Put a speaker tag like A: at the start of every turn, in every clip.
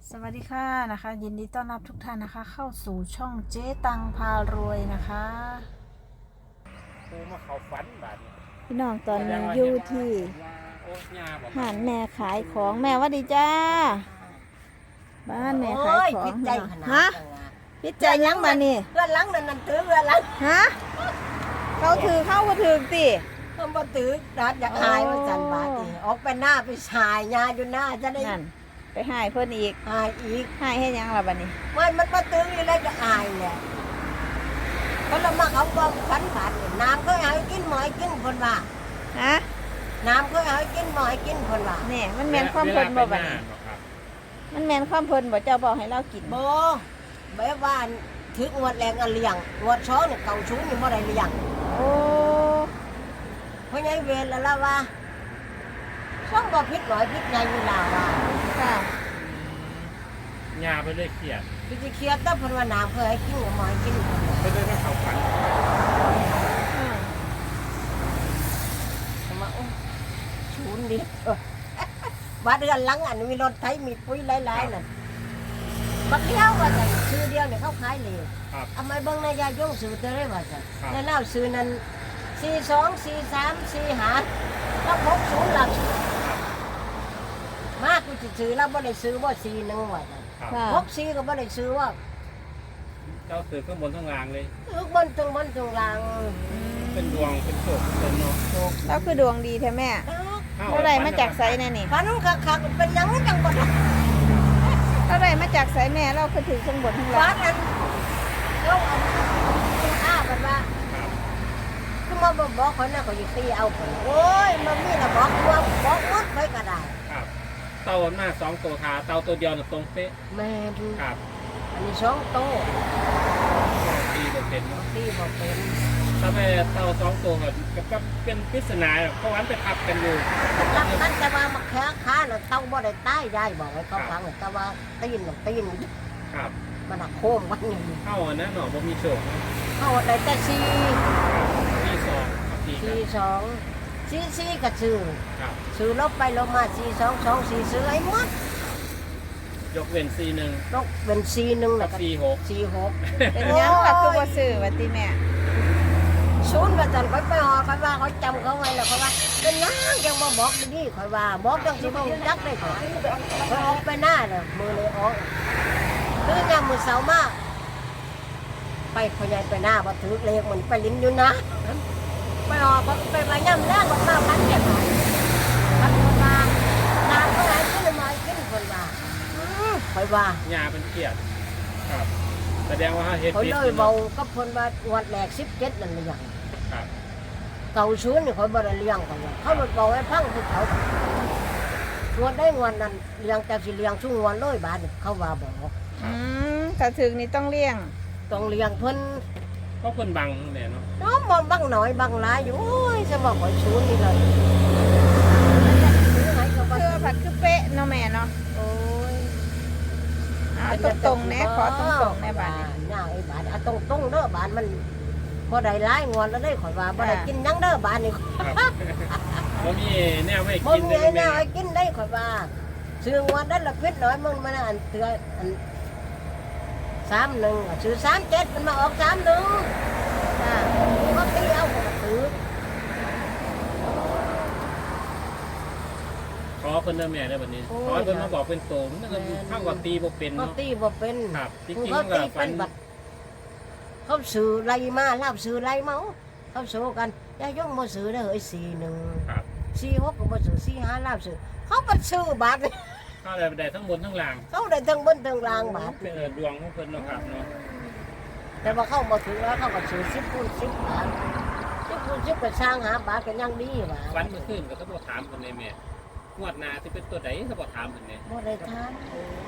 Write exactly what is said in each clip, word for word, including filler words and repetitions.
A: สวัสดีค่ะนะคะยินดีต้อนรับทุกท่านนะคะเข้าสู่ช่องเจ๊ตังพารวยนะคะ
B: ปูมาเขาฝันบาดนี้
A: พี่น้องตอนนี้อยู่ที่หานแม่ขายของแม่ว่าดีจ้าบ้านแม่ขายของฮะพิจัยยังมานี่
C: เพื่อนหลังนั่นนั่นถือเพื่อนหลัง
A: ฮะเขาถือเข้าก็ถือติ
C: เขาบ่ถือรัดอยากหายว่าจันบาดนี่ออกไปหน้าไปชายยาอยู่หน้าจะได้
A: นั่นไปหายเพิ่นอีก
C: หายอีก
A: หายให้ยังล่ะบัดนี้
C: มันมันบ่ถืออะไรก็หายแหละเขาละมาเขาบอกฝันบาดนี่น้ำเขาให้กินหมอยกินคนว่า
A: ฮะ
C: น้ำเขาให้กินหมอยกินคนว่า
A: นี่มันแม่นความเพิ่นบ่บัดนี้มันแม่นความเพิ่นบ่เจ้าบอกให้เรากิน
C: บ่แบบว่าถึกงวดแรงอันเลี้ยงงวดช้อนี่เก่าชูนี่บ่ได้เลี้ยง
A: โอ้
C: เพราะงั้นเวรแล้วล่ะว่าช่องบ่ผิดหน่อยผิดใหญ่เวลาว่า
A: ค่ะ
B: ยาไปเลยเครียด
C: คือสิเครียดแต่เพิ่นว่าน้ำเพิ่นให้กินหมอยกิน
B: ไปเลยมาเขาฝัน
C: มาโอ้ชูนดิบ้านเรือนหลังอันมีรถไถมีปุ๋ยหลายๆนั่นบักเดียวว่าจะซื้อเดียวเนี่ยเขาขายเลยทำไมเบิ่งนายายงซื้อเท่าไรว่าจะในเล่าซื้อนั้นสี่สองสี่สามสี่หาแล้วพกศูนย์หลักมากกูจะซื้อแล้วบ่ได้ซื้อว่าสี่หนึ่งว่าจะพกสี่ก็บ่ได้ซื้อว่า
B: เจ้าซื้อข้างบนข้างล่างเลย
C: ซื้อบนตรงบนตรงล่าง
B: เป็นดวงเป็นโชคเป็นเนาะ
A: แล้วคือดวงดีแท้แม่เท่าไรมาจากไสแน่นี่
C: ฝันคักๆเป็นยังจังบ่
A: เท่าไรมาจากไสแม่เราคือถือข้างบนข้างล่าง
C: ฝันนั้นเราเอาอ้าบัดว่าคือมาบอกคนน่ะก็อยู่ตีเอาคนโอ้ยมันมีระบอกตัวบอกหมดไปก็ได้
B: ครับเต่าหน้าสองตัวขาเต่าตัวเดียวน่ะตรงเป๊ะ
C: แม่ดู
B: ครับ
C: อันนี้สองตัว
B: ตีบ่เป็นเนาะ
C: ตีบ่เป็น
B: ถ้าแม่เต่าสองตัวก็ก็เป็นปริศนาเพราะว่าไปทับกันอยู่
C: รับกันแต่ว่ามาแค่ขาน่ะเต่าบ่ได้ตายยายบอกให้เขาฟังแต่ว่าตีนน่ะตีน
B: ครับ
C: มันน่ะโค้งวันนี้
B: เข้าอันนั้นเนาะบ่มีโชค
C: เข้าได้แต่สี่
B: สี่สอง
C: สี่สองสี่สี่ก็ซื้อซื้อลบไปลบมาสี่สองสองสี่ซื้อไอ้หมด
B: ยกเว้นสี่หนึ่ง
C: ยกเว้นสี่หนึ่งแล้วก็
B: สี่หก
C: สี่หก
A: เป็นยังล่ะคือบ่ซื้อว่าติแม่
C: ศูนย์ว่าจันค่อยไปหอค่อยว่าเขาจำเขาไว้แล้วเขาว่าเป็นยังยังมาบอกดีๆค่อยว่าบอกจังสิบ่จักได้ค่อยค่อยออกไปหน้าน่ะมือเลยออกคือยามมื้อเช้ามาไปพ่อใหญ่ไปหน้าบ่ถือเลขมันไปลิ้นอยู่นะไปออกไปไปย่ำแรกมันมาพันเจ็ดหน่อยพันคนว่าน้ำก็ไหลขึ้นมาขึ้นคนว่าคอยว่า
B: หญ้าเป็นเกียรติครับแสดงว่าเฮ็ด
C: ผิดเขาเลยเบาก็คนว่าวัดแหลกสิบเจ็ดนั่นเลยอย่างเก่าชื้นนี่เขาบ่ได้เลี้ยงกันเขาหลุดเบาให้พังคือเขางวดได้งวดนั้นเลี้ยงแต่สิเลี้ยงชุ่งงวดร้อยบาทเขาว่าบอก
A: อืมถ้าถึงนี่ต้องเลี้ยง
C: ต้องเลี้ยงเพิ่น
B: ก็เพิ่นบังแหละเนาะ
C: น้องบ่บังหน่อยบังหลายอยู่โอ้ยจะบอกว่าชื้นนี่เลย
A: คือผัดคือเป๊ะเนาะแม่เนาะโอ้ยเอาตรงๆแน่ขอตรงๆแน่บาดนี้
C: ย่าไอ้บาดเอาตรงๆเด้อบาดมันพอได้หลายงวดแล้วได้ข่อยว่าบ่ได้กินยังเด้อบาดนี่
B: บ่มีแนวให้
C: กินได้แนวให้กินได้ข่อยว่าซื้องวดได้ละพิษน้อยมึงมันอันเตืออันสามหนึ่งซื้อสามเจ็ดมันมาออกสามหนึ่งอ่าเขาตีเอาถือ
B: ขอเพิ่นเด้อแม่ได้บัดนี้ขอเพิ่นมาบอกเป็นโตมันก็เข้ากับตีบ่เป็นเนาะ
C: ตีบ่เป็น
B: ครับจริงๆ
C: เขาตีเป็นบัดเขาซื้อไรมาลาบซื้อไรเมาเขาซื้อกันยายงบ่ซื้อได้เฮ้ยสี่หนึ่งสี่หกก็บ่ซื้อสี่ห้าลาบซื้อเขาบ่ซื้อบาท
B: เขาได้ได้ทั้งบนทั้งล่าง
C: เขาได้ทั้งบนทั้งล่างบาท
B: เป็นดวงของเพิ่นเนาะครับเนาะ
C: แต่ว่าเขาบ่ถือแล้วเขาก็ซื้อสิบคูณสิบบาทสิบคูณสิบก็สร้างหาบาทก็ยังดีว่า
B: วันเมื่อคืนก็เขาบ่ถามเพิ่นเลยแม่งวดหน้าสิเป็นตัวใดเขาบ่ถามเพิ่นแม่
C: บ่ได้ถาม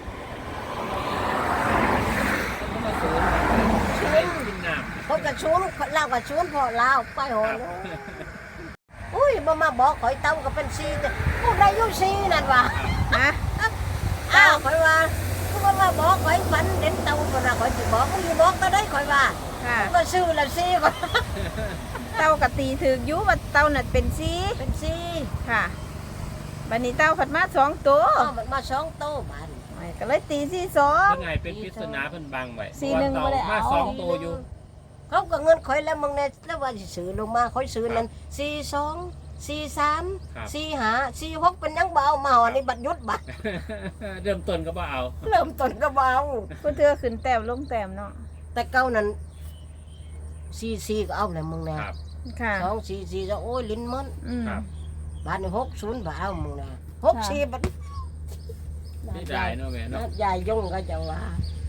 B: เขามาสูนชูนกินน้ำ
C: เขาก็ชูนลาวก็ชูนพอลาวไปหอนอุ้ยบ่มาบอกข่อยเต้าก็เป็นสี่แต่ผู้ใดอยู่สี่นั่นว่า
A: ฮะ
C: อ้าวข่อยว่าผู้บ่มาบอกข่อยฝันเด่นเต้าบ่น่ะข่อยสิบอกข่อยบอกก็ได้ข่อยว่า
A: ค่ะ
C: ก็ซื้อละสี่ก็
A: เต้าก็ตีถึกอยู่ว่าเต้าน่ะเป็นสี่
C: เป็นสี่
A: ค่ะบัดนี้เต้าผัดมาสองตัว
C: มันมาสองตัวบาด
A: ไอ้ก็เลยตีสี่สอง
B: เพิ่นไงเป็นปริศนาเพิ่นบังไว้
A: สี่หนึ่ง
B: เพ
A: บ่
B: ราะ
A: ได้
B: ว่า
A: เอา
B: เต่ามาสองตัวอยู่
C: เขาก็เงินข่อยแล้วมึงเนี่ยแล้วว่าสิซื้อลงมาข่อยซื้อนั้นสี่สองสี่สามสี่ห้าสี่หกเป็นยังเบามาหอนี่บัดยุดบัด
B: เริ่มต้นก็บ่เอา
C: เริ่มต้นก็เบา
A: ผู้เทือขึ้นแต้มลงแต้มเนาะ
C: แต่เก้านั้นสี่สี่ก็เอาเลยมึงเนี่ย
B: ครับ
A: ค่ะ
C: สองสี่สี่จะโอ้ยลิ้นมัน
A: อืม
B: ครับ
C: บาทนี่หกศูนย์บาทเอามึงเนี่ยหกสี่บาท
B: นี่ได้เนาะแม่เนาะ
C: ยายยงก็จะว่า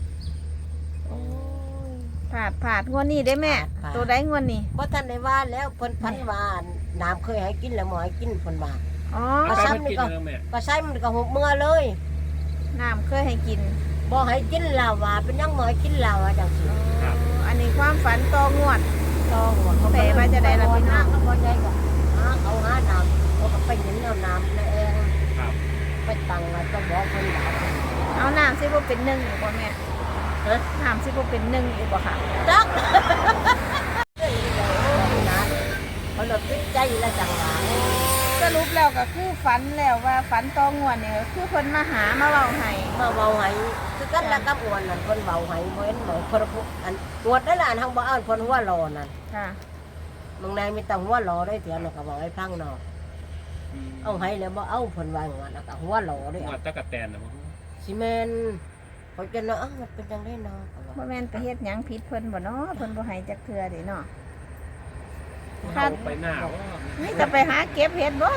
A: ผาดผาดงวดนี้ได้แม่
C: ผาด
A: ตัวได้งวดนี้
C: เพราะท่านได้ว่าแล้วเพิ่นพันว่าน้ำเคยให้กินแล้วหมอให้กินเพิ่นว่า
A: อ๋อ
C: ก็
B: ไป
C: ซ้ำ
B: มันกินแล้วแม่
C: ก็ใช้มันก็หกเมื่อเลย
A: น้ำเคยให้กิน
C: บ่ให้กินเหล้าว่าเป็นยังหมอให้กินเหล้าว่าจังซี่
B: ครับ
A: อันนี้ความฝันต่องวด
C: ต้องว่าเขา
A: แต่ว่าจะได้รับผิดชอบ
C: ก็บ่ได้ก็หาเอาหาน้ำเขาก็ไปเห็นเอาน้ำในเอง
B: ครับ
C: ไปตังว่าจะบอกเพิ่นว่า
A: เอาน้ำซิบ่เป็นหนึ่งอยู่บ่แม่
C: ฮะ
A: น้ำซิบ่เป็นหนึ่งอยู่บ่ค่ะ
C: จักเขาเลยติดใจแล้วจังหวะ
A: สรุปแล้วก็คือฝันแล้วว่าฝันต่องวดเนี่ยก็คือเพิ่นมาหามาเว้าให้
C: มาเบาให้คือกันแล้วกับอ้วนนั่นคนเบาให้บ่เห็นบ่คนพูอันตรวจได้ล่ะอันทางบ่อ่านคนหัวรอนั่น
A: ค่ะ
C: บางนายมีแต่หัวรอได้เถียงน่ะก็บอกให้พังเนาะเอาให้แล้วบ่เอาเพิ่นว่าอย่างนั้นแล้วก็หัวรอได้
B: หัวตะกะแตนนะมั้ง
C: สิแม่นเขาจะเนาะอ้าวมันเป็นจังได๋เนาะก็ว่า
A: บ่แม่นไปเฮ็ดหยังผิดเพิ่นบ่เนาะเพิ่นบ่ให้จักเทื่อเด้เนาะ
B: เข้าไปหน้าว่า
A: นี่จะไปหาเก็บเห็ดบ่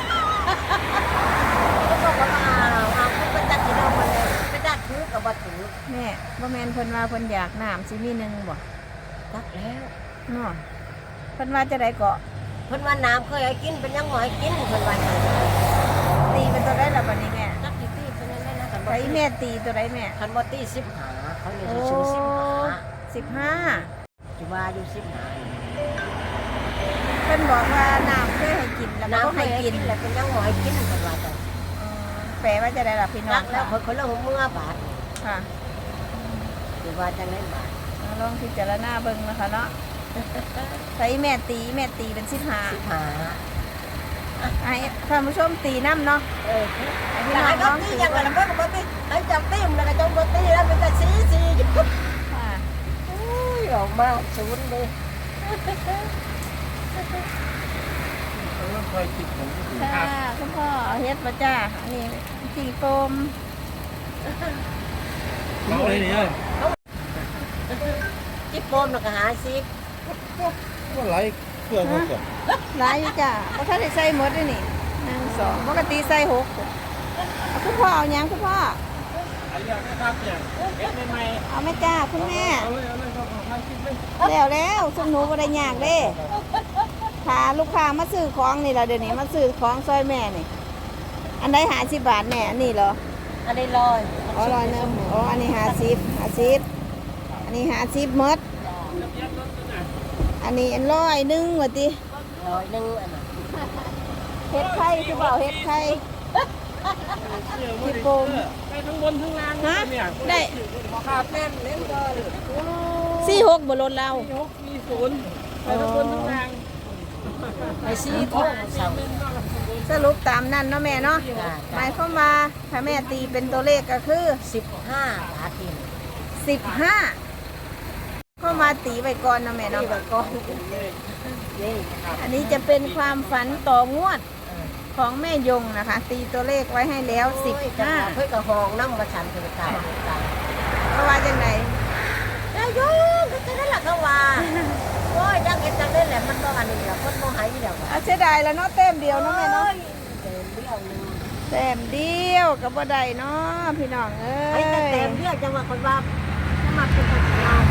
C: เขาบอกว่าอ้าวอ้าวเพิ่นไปตัดที่เรามาแล้วไปตัดถือก็บ่ถือ
A: แม่บ่แม่นเพิ่นว่าเพิ่นอยากน้ำสิมีหนึ่งบ่
C: ตัดแล้ว
A: เนาะเพิ่นว่าจะได้เกาะ
C: เพิ่นว่าน้ำเคยให้กินเป็นยังหมอให้กินเพิ่นว่าอย่างนั้น
A: ตีเป็นตัวได้ล่ะบัดนี้แม่
C: ตักที่ตีเพิ่นนั่นแหละนะคันบ่
A: ใช้แม่ตีตัวใดแม่
C: คันบ่ตีสิบห้าเขานี่สิซื้อสิบห้า
A: สิบห้า
C: สิว่าอยู่สิบห้า
A: เพิ่นบอกว่าน้ำเคยให้กินแล้วก็
C: น้ำ
A: บ่
C: เค
A: ให้
C: ยให้
A: กิ
C: กิ
A: น
C: นแล้วเป็นยังหมอให้กินเพิ่นว่าจัง
A: อ๋อแปลว่าจะได้ล่ะพี่น้อ
C: รั
A: ง
C: กแล้วเพิ่นคนละหัวเมื่อบาท
A: ค่ะ
C: สิว่าจังได๋บาท
A: เอาลองพิจารณาเบิ่งนะคะเนาะใช้แม่ตีแม่ตีเป็นสิบห้า
C: สิบห้า
A: ให้ท่านผู้ชมตีน้ำเนาะ
C: เออ
A: ให้พี่
C: พี่
A: น้
C: น้
A: อ
C: อง ง
A: ล
C: ก็
A: อง
C: ตี
A: ตี
C: อย่าง
A: เบิ่
C: นั้น
A: ง
C: เพิ่นก็บ่ตีให้จับตีมแล้วก็จังบ่ตีแล้วมันจะสีสีอยู่
A: ค่ะ
C: อุ้ยออกมาศูนย์เลย
B: เออคอยคิดผมค
A: ค่ะ
B: รับ
A: คุณพ่อเอาเฮ็ดบ่จ้าอันนี้ตีโฟม
B: เอาเลยนี่เอ้ย
C: จิบโปมแล้วก็หาสิบ
B: ก็ไหลเครื่องเขาก่อน
A: หลายอยู่จ้าบ่ทันได้ใส่หมดเลยนี่หนึ่งสองปกติใส่หกเอาคุณพ่อเอาหยังคุณพ่อ
B: อันนี้นะครับเนี่ยเอ็ดใหม่
A: เอาแม่จ้าคุณแม่
B: ๆเอาเลยเอาเลยครับทางคิดเลย
A: แล้วแล้วซุมหนูบ่ได้ยากเด้ถ้าลูกค้ามาซื้อของนี่ล่ะเดี๋ยวนี้มาซื้อของซอยแม่นี่ อันใดห้าสิบบาทแม่อันนี้เหรอ
C: อันนี้ลอย
A: อ๋อร้อยหนึงอ๋ออันนี้ห้าสิบห้าสิบอันนี้ห้าสิบหมด
B: จะเปลี่ยนรถตัวน่ะ
A: อันนี้อันร้อยหนึงว่าติ
C: ลอยหนึ่งอันนั้น
A: เฮ็ดไข่คือเปล่าเฮ็ดไข่
B: พี่โปมไปทั้งบนทั้งล่าง
A: ฮะ
B: เนี่ย
A: ได้
C: ขาดแน่นเล่นก็เลย
A: สี่หกบ่ลดเรา
B: มีหกมีศูนย์ไปทั้งบนทั้งล่าง
C: ไอ้สีทองเสา
A: สรุปตามนั้นเนาะแม่เนาะหมายความว่าถ้าแม่ตีเป็นตัวเลขก็คือ
C: สิบห้าบาททีน
A: สิบห้าเข้ามาตีไว้ก่อนเนาะแม่
C: นี่
A: เนาะ
C: แบบก้อนนี่
A: อันนี้จะเป็นความฝันต่องวดของแม่ยงนะคะ ตีตัวเลขไว้ให้แล้วสิบห้า
C: เพื่อกระหองน้ำมาฉันถึงตายตาย
A: เพราะว่าจังไหน
C: นายกก็จะนั่นแหละเขาว่าโอ้ยจังเก็บจังได้แหละมันก็อันนี้แหละคนโมหายเดียว
A: เอาเสียดายแล้วเนาะเต็มเดียวเนาะแม่เนาะ
C: เต็มเดียวนึง
A: เต็มเดียวกับบ่ได้เนาะพี่น้องเอ้
C: ไอ้
A: ย
C: แต่เต็มเดียวจังว่าคนว่าถ้ามาเป็นคนงาน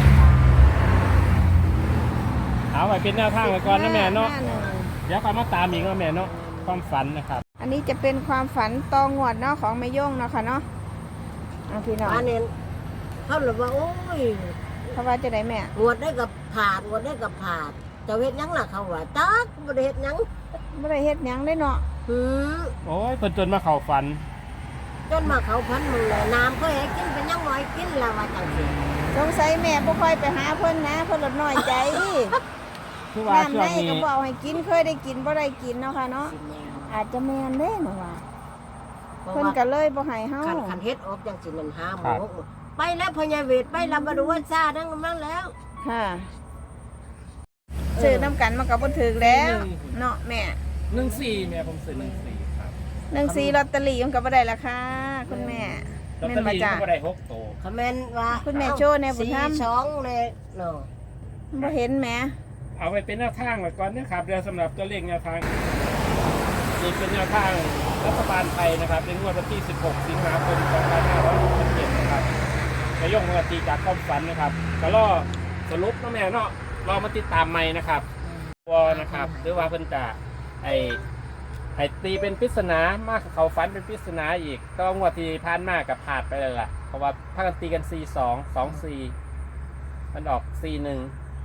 B: เอาไว้เป็นแนวทางไว้ก่อนนะแม่เนาะ
A: ห้หง
B: เดี๋ยวค่อยมาตามอีกนะแม่เนาะความฝันนะครับ
A: อันนี้จะเป็นความฝันต่องวดเนาะของแม่ยงเนาะค่ะเนาะเอาพี่น้อง
C: อันนี้เขาเลยว่าโอ้ย
A: เพราะว่าจะได้แม่
C: งวดได้กับผาดงวดได้กับผาดจะเฮ็ดหยังล่ะเขาว่าจักบ่ได้เฮ็ดหยัง
A: บ่ได้เฮ็ดหยังได้เนาะ
C: หือ
B: โอ้ยเพิ่นจนมาเข้าฝัน
C: จนมาเขาพันมึงเลยน้ำก็ให้กินเป็นยังบ่ให้กินแล้วว่าจังซี่
A: สงสัยแม่บ่ค่อยไปหาเพิ่นนะเพิ่นลดน้อยใจ
B: คือว่า
A: น้ำ
B: ช่ว
A: ใน
B: งนี้
A: ก็บ่เอาให้กินเคยได้กินบ่ได้กินเนาะค่ะเนาะอาจจะแม่นเด้หนูว่า
C: เพราะ
A: เพิ่น
C: ว่า
A: ก็เลยบ่ให้เฮา
C: คันคันเฮ็ดออกจังสินั่นหาหมอไปแล้วพญาเวทไปลำบดูวันซ่าทั้งนั้นแล้ว
A: ค่ะซื้อน้ำกันมันก็บ่ถูกแล้วเนาะแม่
B: หนึ่งสี่แม่ผมซื้อหนึ่งสี่ครับ
A: หนึ่งสี่ลอตเตอรี่มันก็บ่ได้ราคาคุณแม่
B: ลอต
A: แม่
B: เตอน
A: บ่
B: รี่
A: จ้ะ
B: ก็ได้หกตัว
C: คอมเมนต์ว่า
A: คุณแม่โชว์แน่บุญธรรม
C: สี่สองเลยเนาะ
A: บ่เห็นแหม
B: เอาไปเป็นแนวทางไว้ก่อนนะครับเดี๋ยวสำหรับตัวเลขแนวทางนี่เป็นแนวทางรัฐบาลไทยนะครับในงวดวันที่สิบหกสิงหาคมสองพันห้าร้อยหกสิบเจ็ดนะครับนายกรัฐมนตรีจากความฝันนะครับก็รอสรุปนะแม่เนาะรอมาติดตามใหม่นะครับวอนะครับหรือว่าเพิ่นจะไอไอตีเป็นปริศนามากเขาฝันเป็นปริศนาอีกก็งวดที่ผ่านมากับผาดไปเลยล่ะเพราะว่าพากันตีกัน สี่สอง สองสี่ มันออก สี่หนึ่ง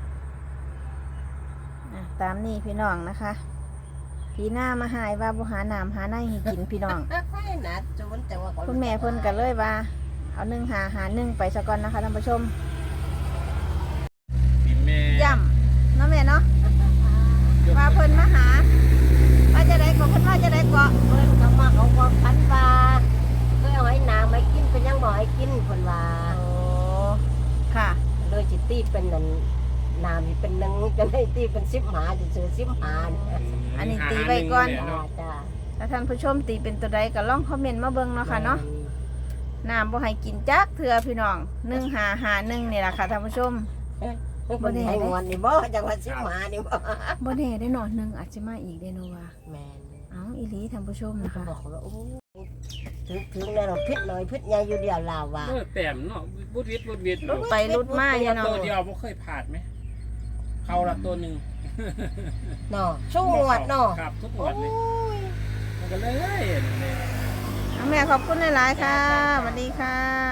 A: อ่ะตามนี้พี่น้องนะคะพี่หน้ามาหายว่าบ่หาน้ำหาในให้กินพี่น้อง
C: ไม่นะจูนแต่ว่า
A: คุณแม่เพิ่นก็เลยว่าเอาหนึ่งหาหาหนึ่งไปซะก่อนนะคะท่านผู้ชม
B: พี่แม่
A: ย่ำเนาะแม่เนาะว่าเพิ่นมาหาว่าจะได้ก็เพิ่นว่าจะได้ก็
C: เพิ่นเขามาเขาก็พันปลาเพื่อเอาให้นางไม่กินเป็นยังบ่ให้กินเพิ่นว่า
A: โอ้ค่ะ
C: เลยจิตีเป็นนั่นนามนี่เป็นหนึงจะได้ตีเป็นสิบหาจะซื้อสิบหาเนี่ย
A: อันนี้ตีไว้ก่อน
C: จ้าจ้า
A: ถ้าท่านผู้ชมตีเป็นตัวใดก็ลองคอมเมนต์มาเบิ่งเนาะค่ะเนาะน้ำบ่ให้กินจักเถื่อพี่น้องหนึ่งหาหาหนึ่งนี่แหละค่ะท่านผู้ชม
C: บ่ได้ให้งวนนี่บ่จังว่าสิบหานี่บ่
A: บ่แน่ได้หนอนหนึ่งอาจจะมาอีกได้เนาะว่า
C: แม่น
A: เอ้าอีหลีท่านผู้ชมนะคะ
C: บอกว่าโอ้ถึงถึงแล้วเราพิษหน่อยพิษใหญ่อยู่เดียวลาวว่า
B: เออแต้มเนาะบุดวิดบุดวิด
A: รุดไปรุดมาอยู่เนาะ
B: ตัวเดียวบ่เคยผ่านไหมเขาละตัวหนึ่ง
C: เนาะสู้งวดเนาะ
B: ครับทุกงวดเลยมันก็เลยเนี่ย
A: เอาแม่ขอบคุณหลายๆค่ะสวัสดีค่ะ